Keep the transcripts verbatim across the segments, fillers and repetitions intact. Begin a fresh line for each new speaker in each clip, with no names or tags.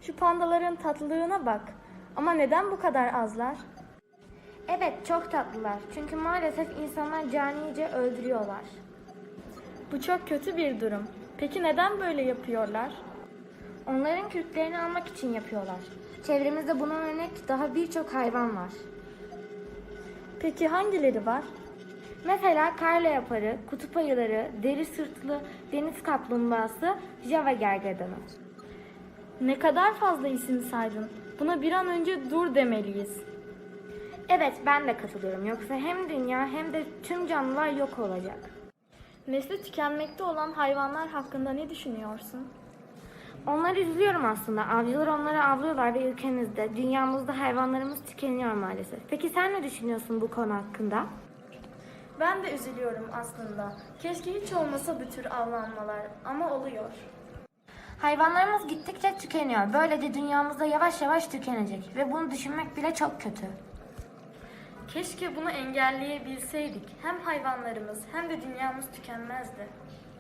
Şu pandaların tatlılığına bak. Ama neden bu kadar azlar?
Evet, çok tatlılar. Çünkü maalesef insanlar canice öldürüyorlar.
Bu çok kötü bir durum. Peki neden böyle yapıyorlar?
Onların kürklerini almak için yapıyorlar. Çevremizde buna örnek daha birçok hayvan var.
Peki hangileri var?
Mesela kar leoparı, kutup ayıları, deri sırtlı deniz kaplumbağası, Java gergedanı.
Ne kadar fazla isim saydın. Buna bir an önce dur demeliyiz.
Evet, ben de katılıyorum. Yoksa hem dünya hem de tüm canlılar yok olacak.
Nesli tükenmekte olan hayvanlar hakkında ne düşünüyorsun?
Onları üzülüyorum aslında. Avcılar onları avlıyorlar ve ülkemizde, dünyamızda hayvanlarımız tükeniyor maalesef. Peki sen ne düşünüyorsun bu konu hakkında?
Ben de üzülüyorum aslında. Keşke hiç olmasa bu tür avlanmalar ama oluyor.
Hayvanlarımız gittikçe tükeniyor. Böylece dünyamızda yavaş yavaş tükenecek ve bunu düşünmek bile çok kötü.
Keşke bunu engelleyebilseydik. Hem hayvanlarımız hem de dünyamız tükenmezdi.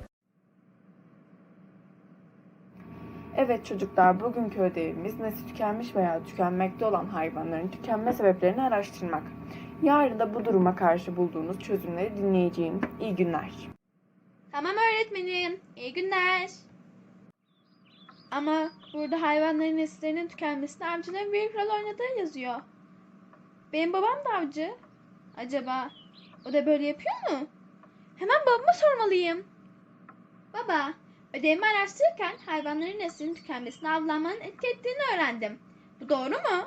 Evet çocuklar, bugünkü ödevimiz nesli tükenmiş veya tükenmekte olan hayvanların tükenme sebeplerini araştırmak. Yarın da bu duruma karşı bulduğunuz çözümleri dinleyeceğim. İyi günler.
Tamam öğretmenim. İyi günler. Ama burada hayvanların nesillerinin tükenmesinde avcıların büyük rol oynadığı yazıyor. Benim babam da avcı. Acaba o da böyle yapıyor mu? Hemen babama sormalıyım. Baba, ödevimi araştırırken hayvanların neslinin tükenmesine avlanmanın etki ettiğini öğrendim. Bu doğru mu?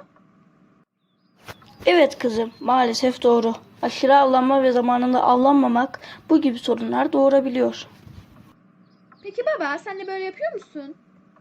Evet kızım, maalesef doğru. Aşırı avlanma ve zamanında avlanmamak bu gibi sorunlar doğurabiliyor.
Peki baba, sen de böyle yapıyor musun?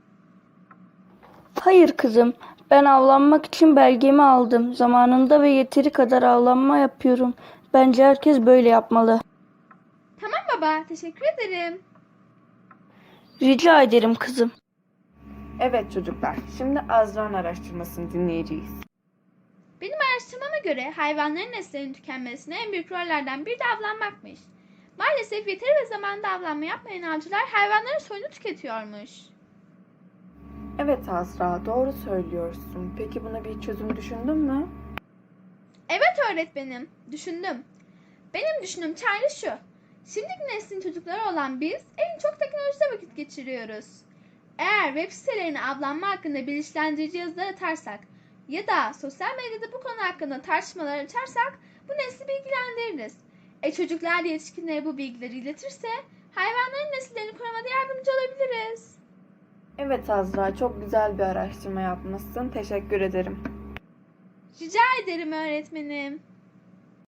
Hayır kızım, ben avlanmak için belgemi aldım. Zamanında ve yeteri kadar avlanma yapıyorum. Bence herkes böyle yapmalı.
Tamam baba, teşekkür ederim.
Rica ederim kızım.
Evet çocuklar, şimdi Azra'nın araştırmasını dinleyeceğiz.
Benim araştırmama göre hayvanların neslerinin tükenmesine en büyük rollerden biri de avlanmakmış. Maalesef yeteri ve zamanında avlanma yapmayan avcılar hayvanların soyunu tüketiyormuş.
Evet Azra, doğru söylüyorsun. Peki buna bir çözüm düşündün mü?
Evet öğretmenim, düşündüm. Benim düşündüğüm çare şu. Şimdiki neslin çocukları olan biz en çok teknolojide vakit geçiriyoruz. Eğer web sitelerine avlanma hakkında bilinçlendirici yazılar atarsak ya da sosyal medyada bu konu hakkında tartışmalar açarsak bu nesli bilgilendiririz. E çocuklar da yetişkinlere bu bilgileri iletirse hayvanların nesillerini korumada yardımcı olabiliriz.
Evet Azra, çok güzel bir araştırma yapmışsın. Teşekkür ederim.
Rica ederim öğretmenim.